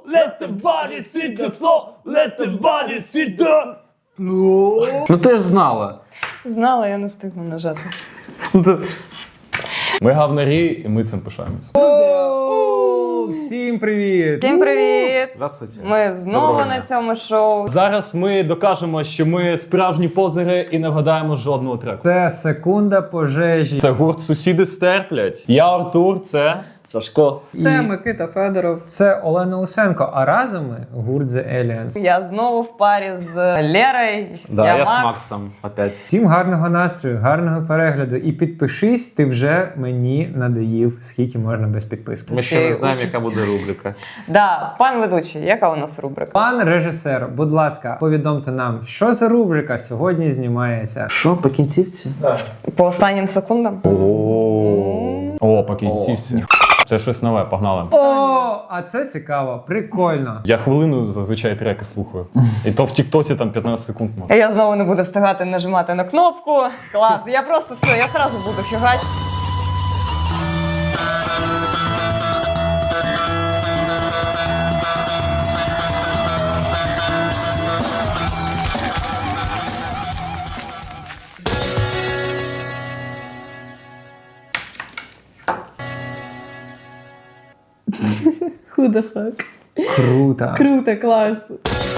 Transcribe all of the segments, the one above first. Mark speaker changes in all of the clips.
Speaker 1: Let the body hit the floor. Let the body hit the floor.
Speaker 2: Ну ти ж знала.
Speaker 3: Знала, я не встигла нажати.
Speaker 1: Ми гавнарі, і ми цим пишаємось.
Speaker 2: Всім привіт!
Speaker 3: Всім привіт!
Speaker 2: Здравствуйте.
Speaker 3: Ми знову
Speaker 2: Доброго
Speaker 3: на
Speaker 2: дня.
Speaker 3: цьому шоу.
Speaker 1: Зараз ми докажемо, що ми справжні позери і не вгадаємо жодного треку.
Speaker 2: Це секунда пожежі.
Speaker 1: Це гурт «Сусіди стерплять». Я Артур, це...
Speaker 4: Сашко.
Speaker 3: Це Микита Федоров.
Speaker 2: Це Олена Усенко, а разом ми гурт The Aliens.
Speaker 3: Я знову в парі з Лерою.
Speaker 4: Да, я
Speaker 3: Макс.
Speaker 4: с Максом опять.
Speaker 2: Всім гарного настрою, гарного перегляду. І підпишись, ти вже мені надоїв, скільки можна без підписки.
Speaker 4: Ми ще не знаємо,
Speaker 3: участь.
Speaker 4: яка буде рубрика.
Speaker 3: Да, пан ведучий, яка у нас рубрика?
Speaker 2: Пан режисер, будь ласка, повідомте нам, що за рубрика сьогодні знімається.
Speaker 4: Що, по кінцівці?
Speaker 3: По останнім секундам?
Speaker 1: О, по кінцівці. Це щось нове, погнали.
Speaker 2: О, а це цікаво, прикольно.
Speaker 1: Я хвилину зазвичай треки слухаю. І то в Тіктосі там 15 секунд може.
Speaker 3: Я знову не буду встигати нажимати на кнопку. Клас. Я просто все, я одразу буду фігач. Who the fuck?
Speaker 2: Круто.
Speaker 3: Круто, клас.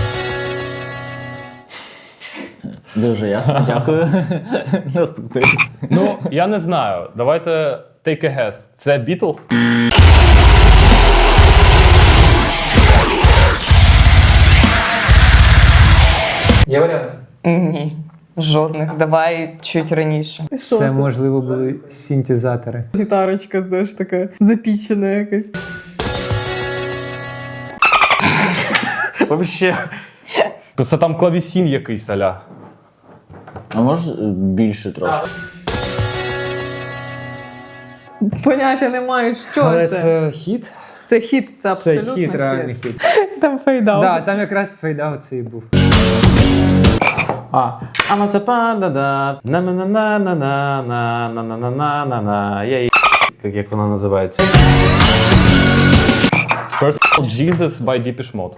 Speaker 4: Дуже ясно, дякую. Наступний.
Speaker 1: Ну, я не знаю. Давайте take a guess. Це Beatles?
Speaker 2: Є варіанти?
Speaker 3: Ні. Жодних. Давай чуть раніше.
Speaker 2: Це, можливо, були синтезатори.
Speaker 3: Гітарочка, знаєш, така запічена якась.
Speaker 4: Вообще.
Speaker 1: Просто там клавісін якийсь аля.
Speaker 4: А може більше трошки?
Speaker 3: Поняття не маю, що
Speaker 2: Але це хіт?
Speaker 3: Це хіт, це
Speaker 2: Це
Speaker 3: абсолютно
Speaker 2: хіт, реальний хіт.
Speaker 3: Там фейдал.
Speaker 2: Да, там якраз фейдаут цей був.
Speaker 4: Аматапа-да-да, на-на-на-на-на-на-на-на-на-на-на. Як вона називається?
Speaker 1: Personal Jesus by Depeche Mode.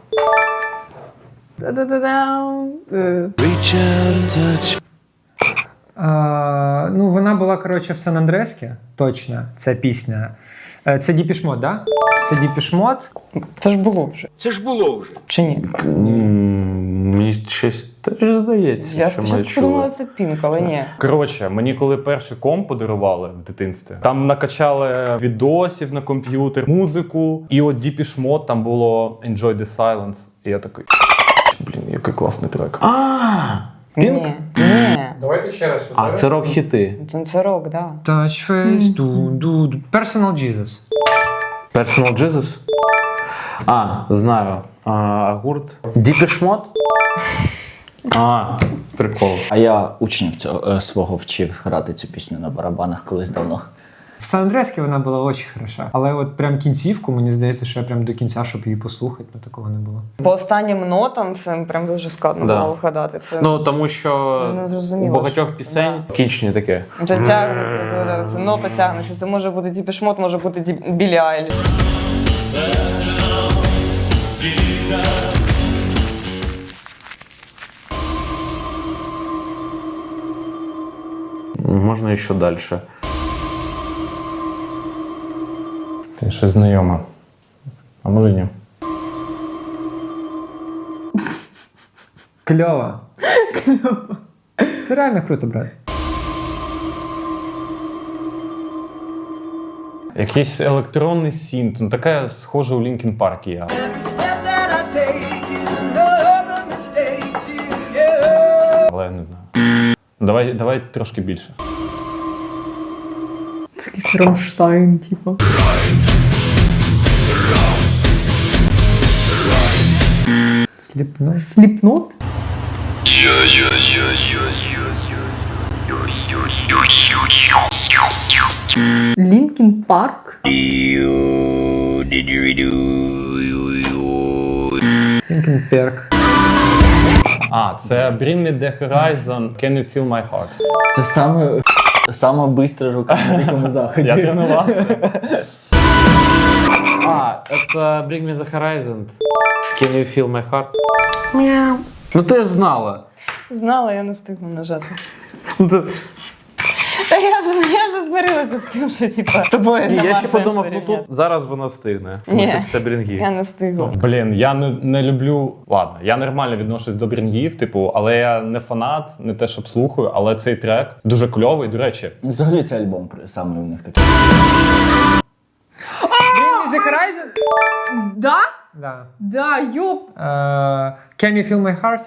Speaker 2: Ну, вона була, коротше, в Сан-Андрескі, точно, ця пісня. Це Depeche Mode, да? Це Depeche Mode.
Speaker 3: Це ж було вже. Чи ні?
Speaker 4: Мені щось теж здається,
Speaker 3: Я
Speaker 4: що ми
Speaker 3: спочатку
Speaker 4: чули.
Speaker 3: подумала, це Пінк, але ні.
Speaker 1: Коротше, мені коли перший комп подарували в дитинстві, там накачали відосів на комп'ютер, музику, і от Depeche Mode там було Enjoy the Silence. І я такий, блін, який класний трек.
Speaker 4: Пінк?
Speaker 3: Ні. Ні.
Speaker 2: Давайте ще раз.
Speaker 4: А, це рок-хіти.
Speaker 3: Це рок, да.
Speaker 2: Touch face, ду. Personal Jesus.
Speaker 4: Personal Jesus? А, знаю. А гурт? Depeche Mode? А, прикол.
Speaker 5: А я учнів цього свого вчив грати цю пісню на барабанах колись давно.
Speaker 2: В Сан-Андрескі вона була дуже хороша. Але от прям кінцівку, мені здається, що я прям до кінця, щоб її послухати, ну такого не було.
Speaker 3: По останнім нотам це прям дуже складно
Speaker 4: Да.
Speaker 3: було вгадати. Це
Speaker 4: Ну, тому що
Speaker 3: Не
Speaker 4: у
Speaker 3: зрозуміло,
Speaker 4: багатьох
Speaker 3: що це,
Speaker 4: пісень кінчення таке.
Speaker 3: це тягнеться, це нота тягнеться. Це може бути Depeche Mode, може бути Біллі Айліш.
Speaker 4: Можна і що далі.
Speaker 1: Ти щось знайоме. А може ні?
Speaker 2: Кльово. Це реально круто, брат.
Speaker 1: Якийсь електронний синт, ну таке схоже у Linkin Park є. Але я не знаю. Давай трошки більше.
Speaker 3: Це якийсь Рамштайн, типу.
Speaker 2: Сліпно.
Speaker 3: Сліпнот? Лінкін Парк?
Speaker 2: Linkin Park.
Speaker 1: А, це Bring Me The Horizon, Can You Feel My Heart.
Speaker 5: Це саме бистра рука на дикому заході.
Speaker 1: Я тренувався.
Speaker 4: это Bring Me The Horizon. Can You Feel My Heart? Ну ти ж знала.
Speaker 3: Знала, я не встигла нажати.
Speaker 4: Ну, ти-
Speaker 3: Та я вже змирилася з тим, що типа тобою
Speaker 4: Ні,
Speaker 3: нема
Speaker 4: я ще
Speaker 3: сенсу
Speaker 4: подумав, ну
Speaker 3: рівняти.
Speaker 4: тут зараз вона встигне. Тому
Speaker 3: Ні.
Speaker 4: що це брінги.
Speaker 3: Я не встигла.
Speaker 1: Блін, я не люблю. Ладно, я нормально відношусь до брінгів, типу, але я не фанат, не те, щоб слухаю, але цей трек дуже кльовий. До речі,
Speaker 5: Взагалі цей альбом саме у них такий.
Speaker 2: Bring Me The Horizon?
Speaker 3: Да?
Speaker 2: Да.
Speaker 3: Да, ёп.
Speaker 2: Can You Feel My Heart?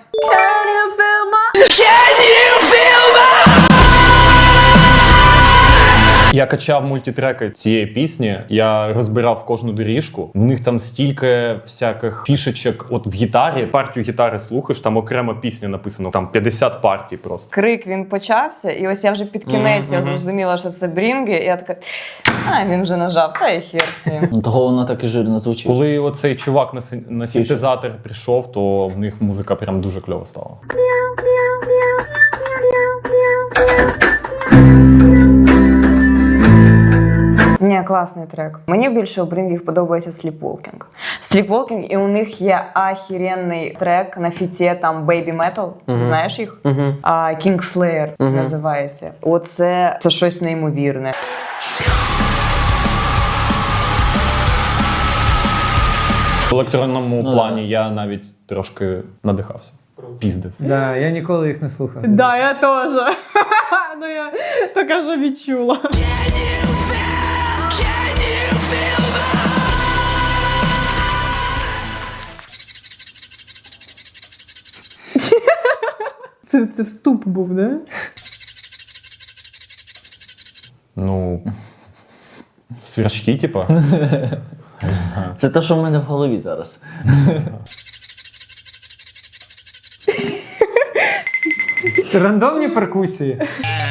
Speaker 1: я качав мультитреки цієї пісні, я розбирав кожну доріжку. В них там стільки всяких фішечок. От в гітарі, партію гітари слухаєш, там окрема пісня написано, там 50 партій просто.
Speaker 3: Крик він почався, і ось я вже під кінець я зрозуміла, що це брінги, і я така, він вже нажав, та й хер з ним.
Speaker 5: Ну, того воно так і жирно звучить.
Speaker 1: Коли оцей чувак на синтезатор прийшов, то в них музика прям дуже кльова стала.
Speaker 3: Ні, класний трек. Мені більше у Брінгів подобається Sleepwalking. Sleepwalking, і у них є ахіренний трек на фіті, там Baby Metal, знаєш їх? King Slayer називається. Оце це щось неймовірне.
Speaker 1: В електронному плані я навіть трошки надихався. Піздив.
Speaker 2: Да, я ніколи їх не слухав.
Speaker 3: Да, я теж. Ну я така ж відчула. Це вступ був, да?
Speaker 1: Ну, свірчки, типа.
Speaker 5: Це те, що в мене в голові зараз.
Speaker 2: Рандомні перкусії.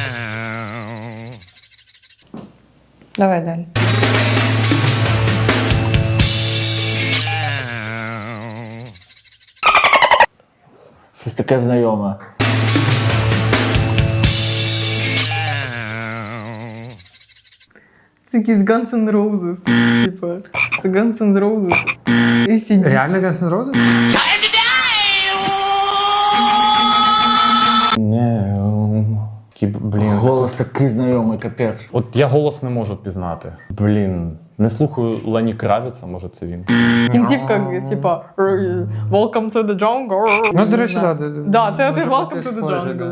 Speaker 3: Давай далі.
Speaker 5: Щось таке знайоме.
Speaker 3: Це якийсь Guns N' Roses. Типа, це Guns N' Roses. AC/DC.
Speaker 2: Реально Guns N' Roses?
Speaker 1: Блін.
Speaker 5: Голос такий знайомий, капець.
Speaker 1: От я голос не можу пізнати. Блін. Не слухаю Лені Кравіца, може це він.
Speaker 3: Кінцівка, типа, Welcome to the jungle.
Speaker 2: Ну, до речі, так.
Speaker 3: Да, це ти Welcome to the jungle.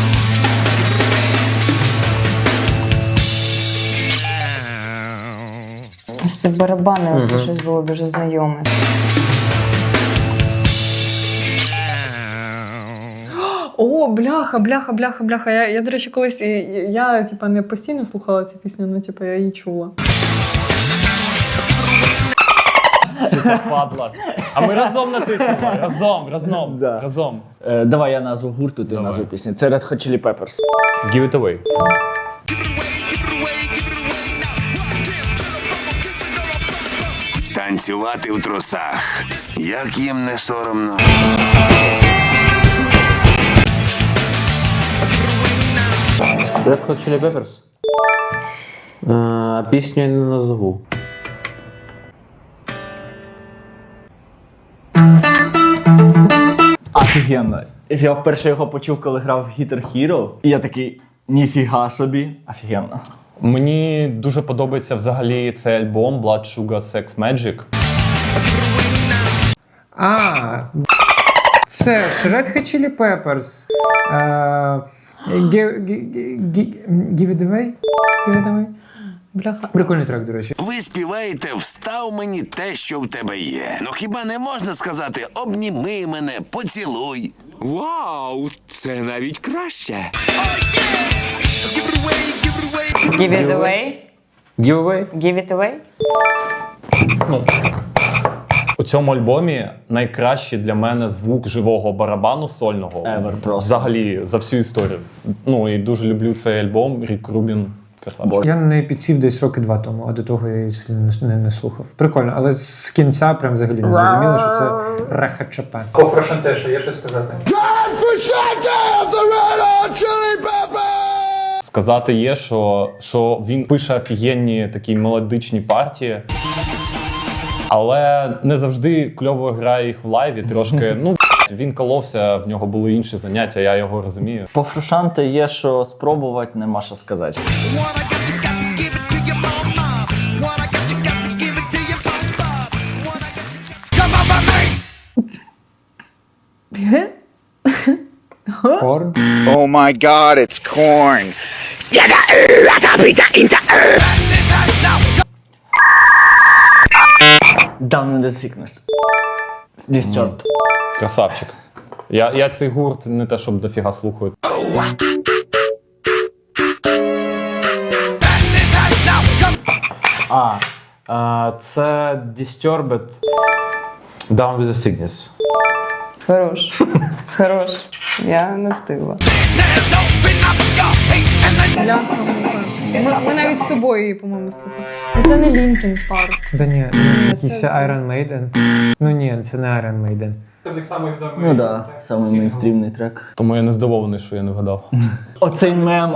Speaker 3: Ось це барабани, ось це щось було дуже знайоме. О, бляха. Я, до речі, колись, я типа, не постійно слухала цю пісню, але типа, я її чула.
Speaker 1: Падла. А ми разом натиснули. Разом.
Speaker 5: Да.
Speaker 1: Разом.
Speaker 5: Давай я назву гурту, ти назву пісні. Це Red Hot Chili Peppers.
Speaker 1: Give it away.
Speaker 6: Танцювати в трусах. Як їм не соромно.
Speaker 4: Red Hot Chili Peppers? Пісню я не назву.
Speaker 5: Офігенно. Я вперше його почув, коли грав в Guitar Hero. І я такий, ніфіга собі, офігенно.
Speaker 1: Мені дуже подобається взагалі цей альбом Blood Sugar Sex Magic.
Speaker 2: Це ж Red Hot Chili Peppers. Give it away?
Speaker 3: Бляха.
Speaker 2: Прикольний трек, до речі.
Speaker 6: Ви співаєте «Встав мені те, що в тебе є». Ну хіба не можна сказати «Обніми мене, поцілуй»?
Speaker 7: Вау, це навіть краще.
Speaker 3: Give it away.
Speaker 4: Giveaway?
Speaker 3: Give it away.
Speaker 1: У цьому альбомі найкращий для мене звук живого барабану сольного.
Speaker 5: Ever просто.
Speaker 1: Взагалі за всю історію. Ну і дуже люблю цей альбом. Рік Рубін. Красавчик.
Speaker 2: Я на неї підсів десь роки 2 тому, а до того я її сильно не слухав. Прикольно, але з кінця прям взагалі не зрозуміло, що це РХЧП. По Фрошентеша є що сказати?
Speaker 1: Сказати є, що він пише офігенні такі мелодичні партії. Але не завжди кльово грає їх в лайві. Трошки, він коловся, в нього були інші заняття, я його розумію.
Speaker 5: По Фрошанте є що спробувати, нема що сказати.
Speaker 2: Корн.
Speaker 7: Oh my god, it's corn.
Speaker 5: Down in the sickness. Disturbed.
Speaker 1: Красавчик. Я цей гурт не те, щоб дофіга слухаю.
Speaker 4: Це Disturbed Down with the Sickness.
Speaker 3: Хорош. Хорош. Я не встигла.
Speaker 8: Ми навіть з тобою її, по-моєму, слухали. Це не Linkin Park.
Speaker 2: Да ні, якийсь Iron Maiden. Ну ні, це не Iron Maiden.
Speaker 5: Ну да, самий мейнстрімний трек.
Speaker 1: Тому я не здивований, що я не вгадав.
Speaker 5: Оцей мем.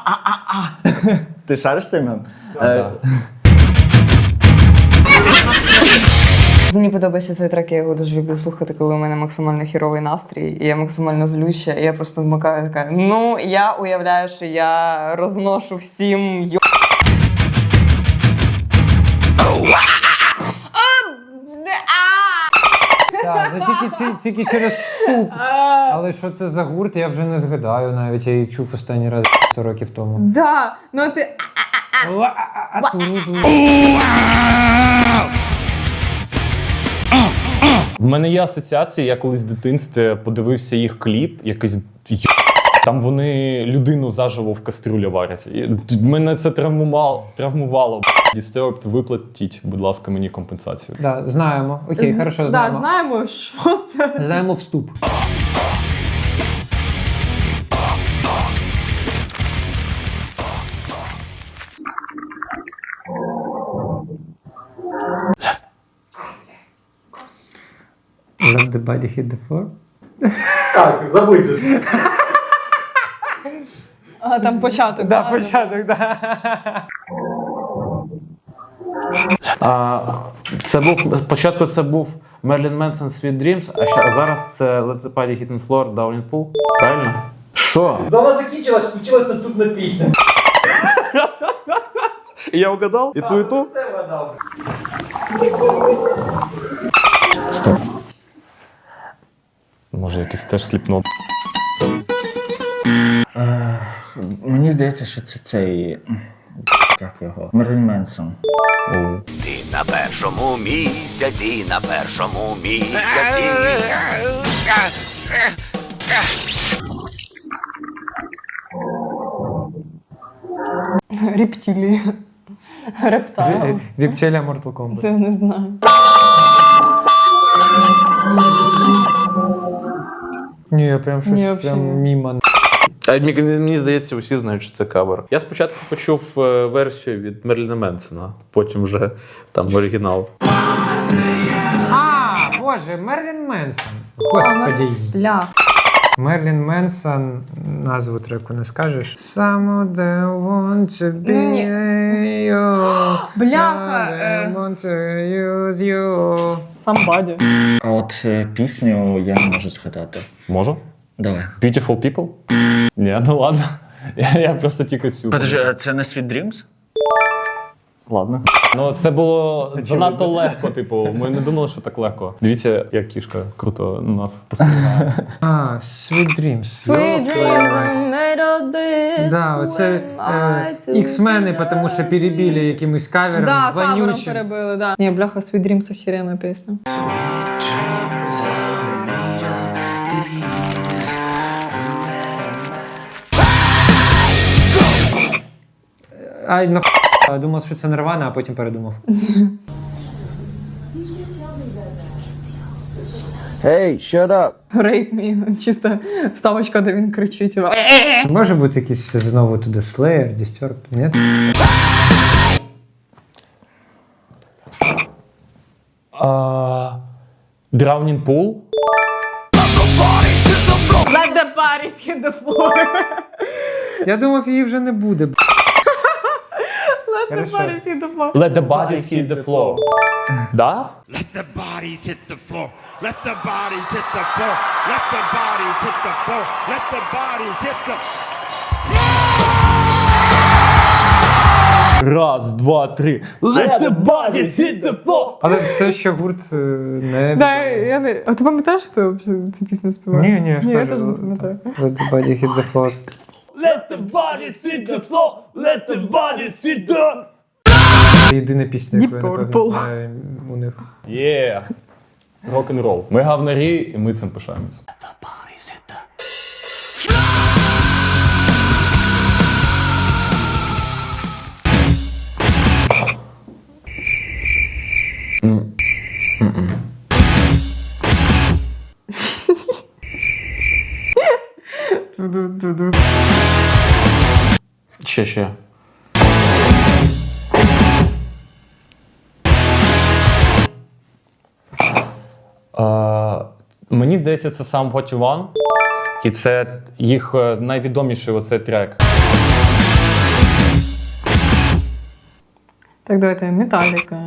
Speaker 5: Ти шариш цей мем?
Speaker 3: Мені подобається цей трек, я його дуже люблю слухати, коли у мене максимально хіровий настрій, і я максимально злюща, і я просто вмикаю така. Я уявляю, що я розношу всім
Speaker 2: Так, тільки через вступ. Але що це за гурт, я вже не згадаю навіть. Я її чув останній раз 100 років тому.
Speaker 8: Да, ну це...
Speaker 1: В мене є асоціації, я колись в дитинстві подивився їх кліп, якийсь там вони людину заживо в кастрюлі варять. І мене це травмувало. Disturbed, виплатіть, будь ласка, мені компенсацію.
Speaker 2: Да, знаємо. Окей, хорошо, знаємо.
Speaker 8: Да, знаємо, що це.
Speaker 2: Знаємо вступ. Let the body hit the floor.
Speaker 1: Так, забудьте.
Speaker 8: А, там початок.
Speaker 2: Да, початок, да.
Speaker 4: Спочатку це був Marilyn Manson Sweet Dreams, а зараз це Let the Party Hit the Floor, Down in Pool. Правильно? Що?
Speaker 9: Зала закінчилась, включилась наступна пісня.
Speaker 4: Я угадав? І ту, і ту?
Speaker 9: Все вгадав.
Speaker 5: Стоп.
Speaker 1: Може, якийсь теж сліпнот.
Speaker 5: Мені здається, що це цей... Як його? Мерлін Менсон.
Speaker 6: Ти на першому місяці, на першому місяці.
Speaker 8: Рептилії. Рептайл.
Speaker 2: Рептилія Mortal Kombat.
Speaker 8: Я не знаю.
Speaker 2: Ні, я прям щось
Speaker 8: Ні, взагалі
Speaker 2: прям
Speaker 8: ні.
Speaker 2: мімо.
Speaker 4: Мені здається, усі знають, що це кавер. Я спочатку почув версію від Мерліна Менсона, потім вже там оригінал.
Speaker 2: Боже, Мерлін Менсон. Господи.
Speaker 8: Бля.
Speaker 2: Мерлін Менсон, назву треку не скажеш. Some of them want to be you.
Speaker 8: Бляха,
Speaker 2: Some want to use you.
Speaker 8: Somebody.
Speaker 5: А от пісню я не можу згадати.
Speaker 1: Можу?
Speaker 5: Давай.
Speaker 1: Beautiful People? Ні, ну ладно. Я просто тільки цю.
Speaker 5: Подожди, а це не Sweet Dreams?
Speaker 1: Ладно. Ну, це було занадто легко, типу. Ми не думали, що так легко. Дивіться, як кішка круто нас посилає.
Speaker 2: Sweet Dreams.
Speaker 8: Sweet dreams are made of this.
Speaker 2: Да, оце
Speaker 8: when I
Speaker 2: X-мени, тому що перебили якимось кавером,
Speaker 8: Да, кавером
Speaker 2: вонючим.
Speaker 8: перебили, да. Ні, бляха, Sweet Dreams охеренна пісня.
Speaker 2: Ай, я думав, що це Нирвана, а потім передумав.
Speaker 5: Hey, shut up!
Speaker 8: Rape me. Чисто вставочка, де він кричить.
Speaker 2: Може бути якийсь знову туди Slayer, Disturbed, ні?
Speaker 1: Drowning Pool?
Speaker 8: Let the bodies hit the floor.
Speaker 2: Я думав, її вже не буде.
Speaker 8: Let the
Speaker 2: Хорошо.
Speaker 8: bodies hit the floor.
Speaker 1: Let the bodies hit the floor. Да?
Speaker 6: Let the bodies hit the floor. Let the bodies hit the floor. Let the bodies hit the floor. Let the bodies hit the
Speaker 1: Раз, два, три. Let the bodies hit the floor!
Speaker 2: Але все ще гурт не...
Speaker 8: Да, я не... А ти пам'ятаєш, хто цю пісню співає?
Speaker 2: Ні, я ж
Speaker 8: Ні, я
Speaker 2: кажу.
Speaker 8: теж не пам'ятаю.
Speaker 2: Let the body hit the floor.
Speaker 9: Let the bodies hit the floor! Let the bodies hit the...
Speaker 2: Це єдина пісня, яку я
Speaker 8: Deep
Speaker 2: напевно
Speaker 8: Purple.
Speaker 2: знаю у них.
Speaker 1: Є. Рок-н-рол. Ми гавнарі, і ми цим пишаємось.
Speaker 8: Ду-ду-ду-ду.
Speaker 4: Ще.
Speaker 1: Мені здається, це сам What You Want. І це їх найвідоміший оцей трек.
Speaker 8: Так, давайте, Металліка.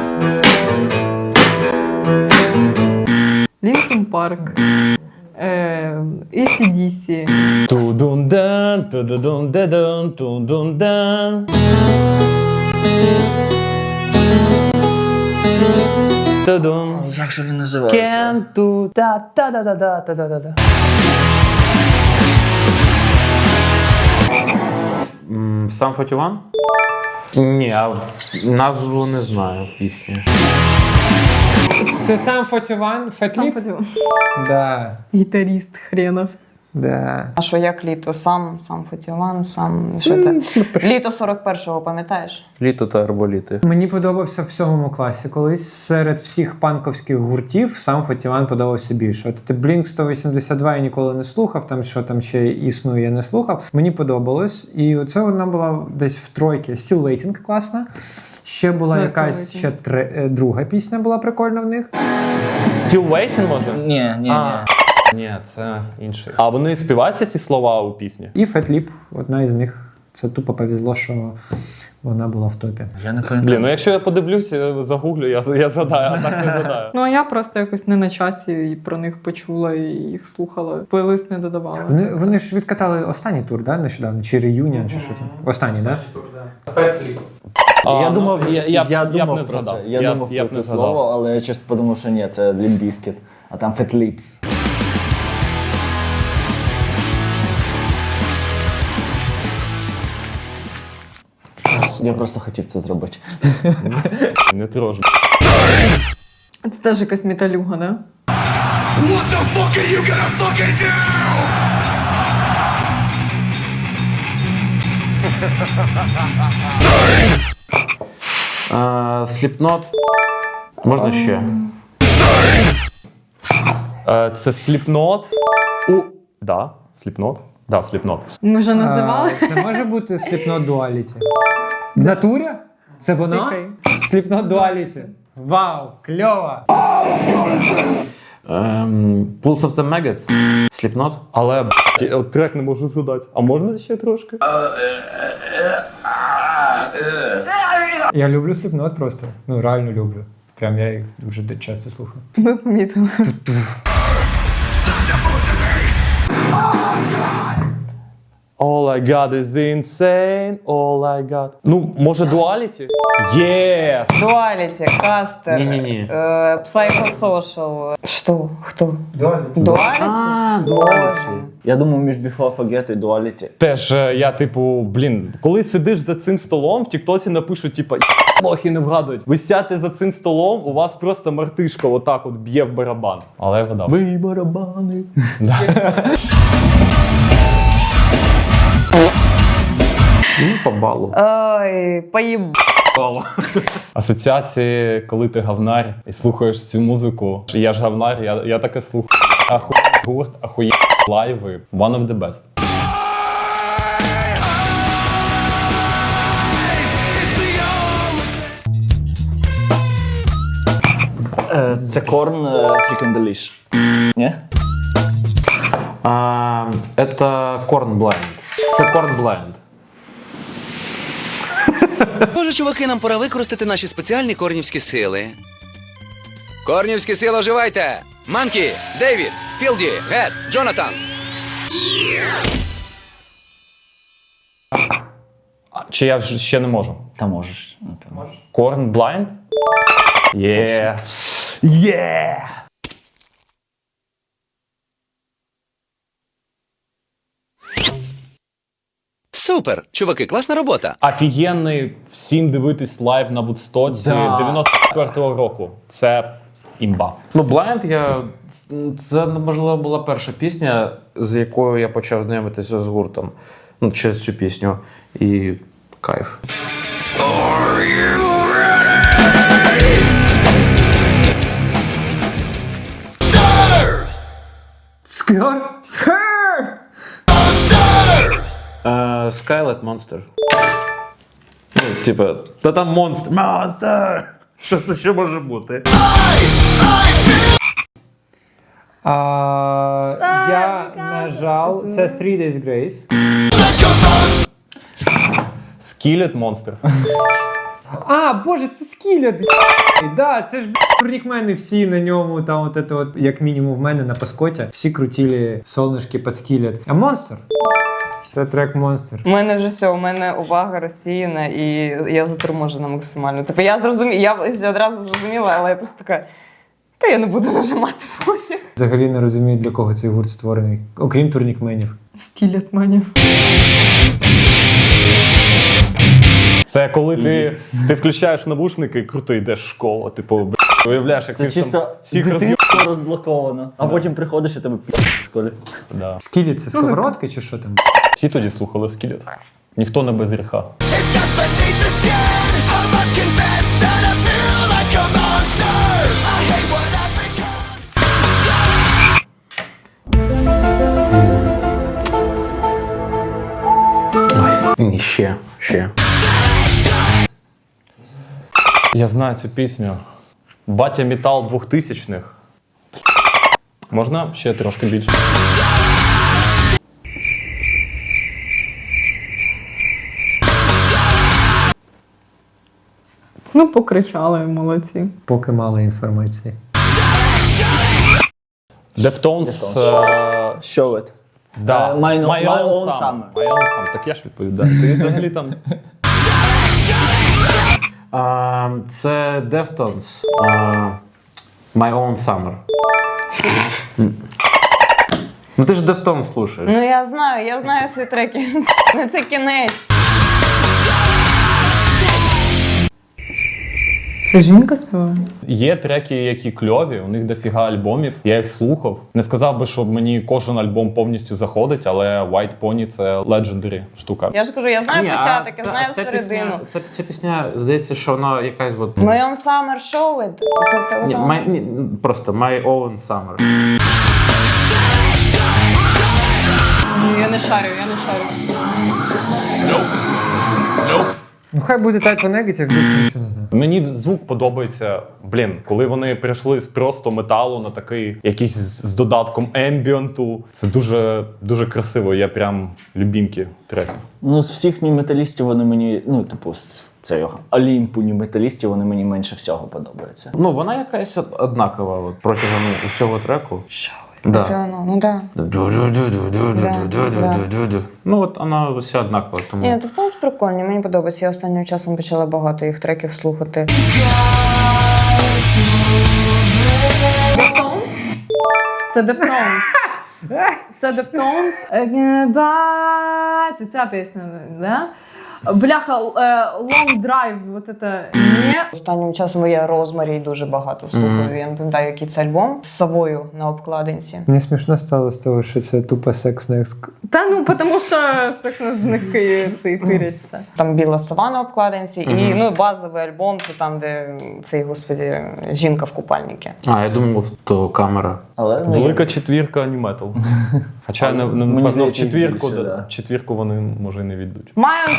Speaker 8: Лінкін Парк. AC/DC.
Speaker 1: Ту-дун-дан, ту-ду-дун-де-дун, ту-дун-дан. Ту-дун.
Speaker 5: Як же він називається?
Speaker 1: Can't do da-da-da-da-da-da-da-da.
Speaker 4: Сам 41? Ні, а назву не знаю пісні.
Speaker 2: Це сам 41, Fat Lip? Да,
Speaker 8: Гітаріст хренов.
Speaker 2: да.
Speaker 3: А що, як літо? Сам Фотіван, що це? Літо 41-го, пам'ятаєш?
Speaker 4: Літо та арболіти.
Speaker 2: Мені подобався в 7 класі колись. Серед всіх панковських гуртів сам 41 подобався більше. От Blink 182 я ніколи не слухав, там що там ще існує, я не слухав. Мені подобалось. І оце вона була десь в тройці. Still Waiting класна. Ще була
Speaker 8: Да,
Speaker 2: якась
Speaker 8: Still
Speaker 2: ще друга пісня була прикольна в них.
Speaker 1: Still Waiting, може?
Speaker 5: Ні.
Speaker 1: Ні, це інший. А вони співаються ці слова у пісні?
Speaker 2: І Fat Lip, одна із них. Це тупо повезло, що вона була в топі.
Speaker 5: Я не пам'ятаю.
Speaker 1: Блін, ну якщо я подивлюся, загуглю, я згадаю, а так не згадаю.
Speaker 8: Ну, а я просто якось не на часі і про них почула і їх слухала. Плейлист не додавала.
Speaker 2: Вони ж відкатали останній тур, да, нещодавно? Чи реюніон, чи що там? Останній, да?
Speaker 5: Я думав,
Speaker 1: я б
Speaker 5: думав
Speaker 1: не
Speaker 5: про це.
Speaker 1: згадав.
Speaker 5: Я думав
Speaker 1: б
Speaker 5: про
Speaker 1: не
Speaker 5: це слово, але я чесно подумав, що ні, це Limp Bizkit, а там Fat Lips. Я просто хотів це зробити.
Speaker 1: Не трошки.
Speaker 8: Це теж якась металюга, да?
Speaker 6: What the fuck are you gonna fucking do?
Speaker 4: Slipknot. Можна ще?
Speaker 1: Це Slipknot. Да, Slipknot. Да, Slipknot.
Speaker 8: Ми вже називали.
Speaker 2: Це може бути Slipknot Duality. В натурі? Це воно?
Speaker 8: Тикай.
Speaker 2: Slipknot Duality. Вау, кльово!
Speaker 4: Pulse of the Maggots. Slipknot.
Speaker 1: Але от трек не можу згадати. А можна ще трошки?
Speaker 2: Я люблю Slipknot просто. Ну, реально люблю. Прям я їх дуже часто слухаю.
Speaker 8: Ми помітили.
Speaker 1: All I got is insane, all I got. Ну, може, Duality? Єс!
Speaker 3: Дуаліті, Кастер,
Speaker 4: Ні-ні-ні.
Speaker 3: Psychosocial. Що? Хто? Дуаліті? Боже.
Speaker 5: Я думав між Before Forget і Duality.
Speaker 1: Теж я, типу, коли сидиш за цим столом, в Тіктосі напишуть, типу, лохи не вгадують. Ви сядьте за цим столом, у вас просто мартишка отак от б'є в барабан. Але я вгадав.
Speaker 5: Ви барабани.
Speaker 4: Ну, по балу.
Speaker 3: Ой, поїб.
Speaker 1: Асоціації, коли ти гавнар і слухаєш цю музику. Я ж гавнар, я таке слухаю. Гурт, ахує лайви. One of the best.
Speaker 5: Це Korn Freaking Delish. Ні?
Speaker 4: Это Korn Blind. Це Korn Blind.
Speaker 10: Може, чуваки, нам пора використати наші спеціальні корнівські сили.
Speaker 7: Корнівські сили, оживайте! Манкі, Дейвід, Філді, Гет, Джонатан.
Speaker 1: Чи я ще не можу?
Speaker 5: Та можеш. напевно.
Speaker 1: Корн Blind? Є. Є.
Speaker 7: Супер! Чуваки, класна робота.
Speaker 1: Офігенний всім дивитись лайв на Вудстоці
Speaker 5: Да.
Speaker 1: 94-го року. Це імба.
Speaker 4: Ну, Blind, це, можливо, була перша пісня, з якою я почав знайомитися з гуртом. Ну, через цю пісню. І кайф.
Speaker 2: Скар? Скар!
Speaker 4: Skylet Monster. Ну, типа, та там монстр. Монстр! Що це ще може бути?
Speaker 2: Я нажав. Це Three Days Grace.
Speaker 1: Skillet Monster.
Speaker 2: А, боже, це Скілет. Да, це ж турнікмени всі на ньому, там от, от, як мінімум в мене на паскоті. Всі крутили солнышки під Скілет. А Монстр? Це трек Монстр.
Speaker 3: У мене вже все, у мене увага розсіяна, і я заторможена максимально. Типу, я одразу зрозуміла, але я просто така, та я не буду нажимати потім.
Speaker 2: Взагалі не розумію, для кого цей гурт створений, окрім турнікменів.
Speaker 8: Скілет манів.
Speaker 1: Це коли ти включаєш навушники і круто йдеш в школу. Типу, уявляєш, як
Speaker 5: Це
Speaker 1: ти там
Speaker 5: чисто
Speaker 1: всіх роз'їв.
Speaker 5: дитинство розблоковано. А потім приходиш і тебе в школі.
Speaker 1: Да.
Speaker 2: Скілет це сковородки чи що там?
Speaker 1: Всі тоді слухали Skillet. Ніхто не без гріха.
Speaker 4: Ні, ще.
Speaker 1: Я знаю цю пісню. Батя Метал 2000-х. Можна ще трошки більше?
Speaker 8: Ну, покричали, молодці.
Speaker 2: Поки мало інформації.
Speaker 1: Deftones.
Speaker 5: Show it.
Speaker 1: Да.
Speaker 5: My Own Summer.
Speaker 1: My Own Summer. Так я ж відповідаю. Ти взагалі там...
Speaker 4: Це Deftones. My Own Summer. Ну ти ж Deftones слушаєш.
Speaker 3: Ну я знаю свої треки. Ну це кінець.
Speaker 8: Це жінка співає?
Speaker 1: Є треки, які кльові, у них дофіга альбомів. Я їх слухав. Не сказав би, що мені кожен альбом повністю заходить, але White Pony — це legendary штука.
Speaker 3: Я ж кажу, я знаю початок, я знаю середину.
Speaker 4: Ця пісня, здається, що вона якась от...
Speaker 3: My Own Summer Show It.
Speaker 4: Ні, просто My Own Summer.
Speaker 8: Я не шарю.
Speaker 2: Ну хай буде Type O Negative, більше нічого не знаю.
Speaker 1: Мені звук подобається, коли вони перейшли з просто металу на такий якийсь з додатком ембієнту. Це дуже, дуже красиво, я прям любімки треки.
Speaker 5: Ну, з всіх ні-металістів вони мені, ну, типу, з цього Олімпу ні-металістів вони мені менше всього подобаються.
Speaker 4: Ну, вона якась однакова от, протягом усього треку. Да.
Speaker 3: Ну да.
Speaker 4: Ну, от вона вся однакова, тому...
Speaker 3: Ні, Deftones прикольні, мені подобається. Я останнім часом почала багато їх треків слухати.
Speaker 8: Це Deftones. Це Deftones. Це ця пісня, да? Бляха, Long Drive, вот это не.
Speaker 3: Останнім часом я Розмарі дуже багато слухаю. Я не пам'ятаю, який це альбом з совою на обкладинці.
Speaker 2: Мені смішно стало з того, що це тупо секс на
Speaker 8: Та ну, тому що секс з них цей тирять все.
Speaker 3: Там біла сова на обкладинці, і ну базовий альбом це там, де цей, господі, жінка в купальнику.
Speaker 4: А, я думав, то камера.
Speaker 5: Але
Speaker 1: Велика четвірка ані-метал. Хоча, напевно, в
Speaker 5: здається,
Speaker 1: четвірку,
Speaker 5: більше, да.
Speaker 1: четвірку вони, може, і не віддуть.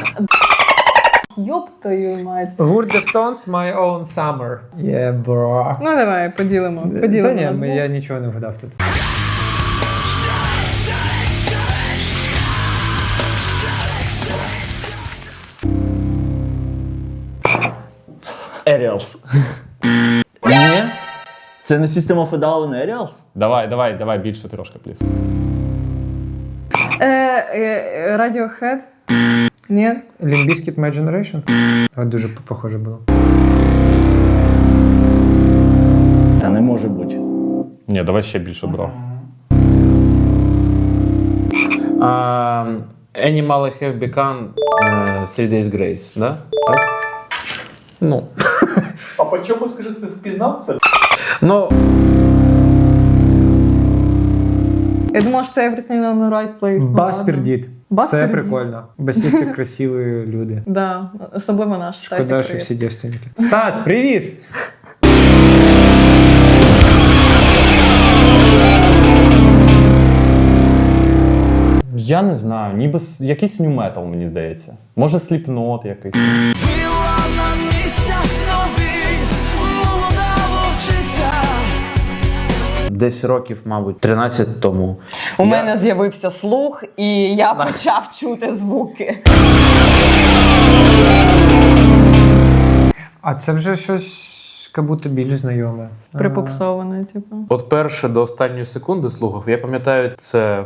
Speaker 8: Йоп твою мать.
Speaker 2: Гурт Deftones, My Own Summer. Yeah, bro.
Speaker 8: Ну давай, поділимо.
Speaker 2: Та ні,
Speaker 8: на двох.
Speaker 2: я нічого не вгадав тут.
Speaker 5: Aerials. Ні. Це не System of a Down Aerials?
Speaker 1: Давай більше трошки, пліс.
Speaker 8: Radiohead? Ні?
Speaker 2: Limp Bizkit My Generation? Дуже похоже було.
Speaker 5: Та не може бути.
Speaker 1: Ні, давай ще більше брав.
Speaker 4: Animal Have Become 3 Days Grace, да? Так? Ну.
Speaker 9: А по чому, скажи, ти впізнав це?
Speaker 4: Ну,
Speaker 8: Я думала, що це Everything on the Right Place.
Speaker 2: Бас пердіт.
Speaker 8: Бас
Speaker 2: Це
Speaker 8: пердіт.
Speaker 2: прикольно. Басісти красиві люди.
Speaker 8: Да, особливо наш
Speaker 2: Шкода,
Speaker 8: Стасік.
Speaker 2: що всі дівчинки. Стас, привіт!
Speaker 1: Я не знаю, ніби якийсь нью метал, мені здається. Може Slipknot якийсь.
Speaker 4: десь років, мабуть, 13 тому.
Speaker 3: У мене з'явився слух, і я почав чути звуки.
Speaker 2: А це вже щось, як будто більш знайоме.
Speaker 8: Припопсоване, типу.
Speaker 4: От перше до останньої секунди слухав, я пам'ятаю, це...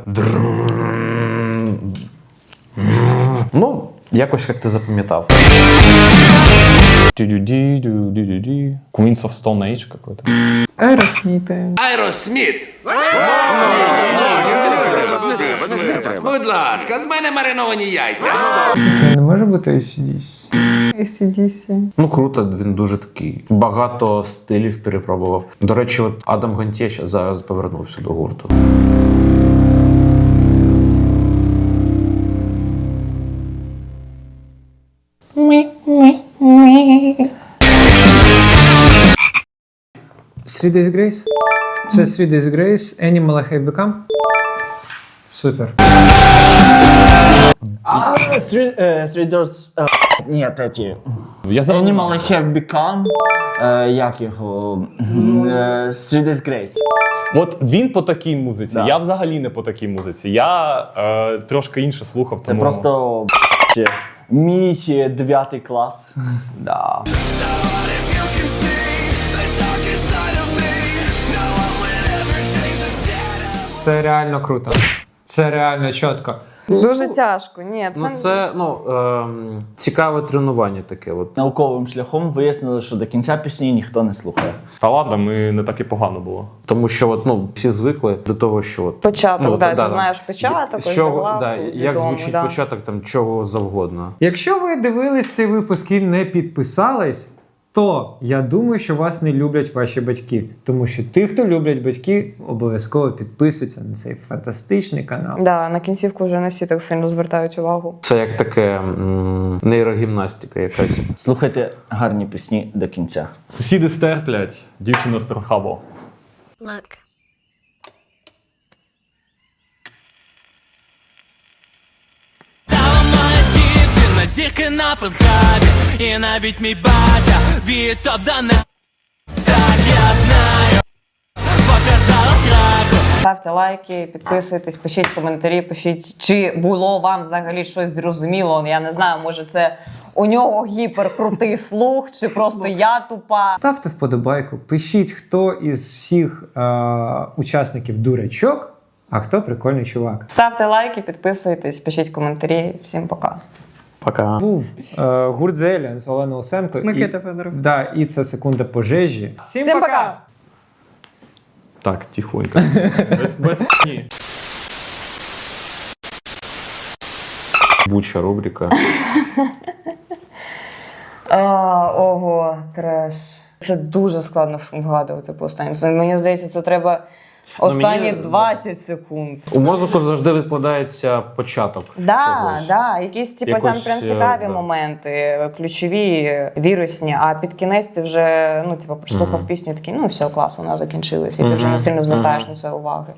Speaker 4: Ну, якось як ти запам'ятав.
Speaker 1: Queens of Stone Age какой-то.
Speaker 8: Аеросміти.
Speaker 7: Аеросміт! Не треба. Будь ласка, з мене мариновані яйця.
Speaker 2: Це не може бути ACDC?
Speaker 8: AC/DC.
Speaker 4: Ну, круто, він дуже такий. Багато стилів перепробував. До речі, от Адам Гонтєш зараз повернувся до гурту.
Speaker 2: Three Days Grace? Це Three Days Grace, Animal Have Become? Супер.
Speaker 5: Three Doors... Ні, теті.
Speaker 1: Я забув.
Speaker 5: Animal Have Become... Як його? Three Days Grace.
Speaker 1: От він по такій музиці,
Speaker 5: Да.
Speaker 1: я взагалі не по такій музиці. Я трошки інше слухав.
Speaker 5: Це
Speaker 1: тому...
Speaker 5: просто мій 9 клас. Да.
Speaker 2: Це реально круто. Це реально чітко.
Speaker 3: Дуже тяжко. Ні, це...
Speaker 4: Ну, це, цікаве тренування таке. От.
Speaker 5: Науковим шляхом вияснили, що до кінця пісні ніхто не слухає.
Speaker 1: Та ладно, ми не так і погано було.
Speaker 4: Тому що от, всі звикли до того, що... От,
Speaker 3: Початок,
Speaker 4: от,
Speaker 3: ти знаєш початок,
Speaker 4: з
Speaker 3: ось
Speaker 4: чого,
Speaker 3: заглавку,
Speaker 4: як
Speaker 3: відомо,
Speaker 4: звучить
Speaker 3: да.
Speaker 4: початок там чого завгодно.
Speaker 2: Якщо ви дивились цей випуск і не підписались, то я думаю, що вас не люблять ваші батьки. Тому що ті, хто люблять батьки, обов'язково підписуються на цей фантастичний канал.
Speaker 3: Да, на кінцівку вже не всі так сильно звертають увагу.
Speaker 4: Це як таке нейрогімнастика якась.
Speaker 5: Слухайте гарні пісні до кінця.
Speaker 1: Сусіди стерплять, дівчина з Перхабо.
Speaker 10: Look.
Speaker 9: Зірки на пенхабі, і навіть мій батя від топ-дана. Так я знаю, показала сраку.
Speaker 3: Ставте лайки, підписуйтесь, пишіть коментарі, пишіть, чи було вам взагалі щось зрозуміло. Я не знаю, може це у нього гіперкрутий слух, чи просто я тупа.
Speaker 2: Ставте вподобайку, пишіть, хто із всіх учасників дурачок, а хто прикольний чувак.
Speaker 3: Ставте лайки, підписуйтесь, пишіть коментарі. Всім пока.
Speaker 4: Пока.
Speaker 2: Був гурт The Aliens, Олена Осенко.
Speaker 8: Микита Федоров.
Speaker 2: Да, і це секунда пожежі.
Speaker 3: Всім пока!
Speaker 1: Так, тихонько. Без х**ні.
Speaker 4: Буча рубрика.
Speaker 3: Ого, треш. Це дуже складно вгадувати по останньому. Мені здається, це треба останні 20 секунд.
Speaker 4: У мозку завжди відкладається початок. чогось.
Speaker 3: Якісь там
Speaker 4: Якось,
Speaker 3: прям цікаві
Speaker 4: да.
Speaker 3: моменти, ключові, вірусні, а під кінець ти вже прослухав пісню і такий, все, клас, вона закінчилась, і ти вже не сильно звертаєш на це уваги.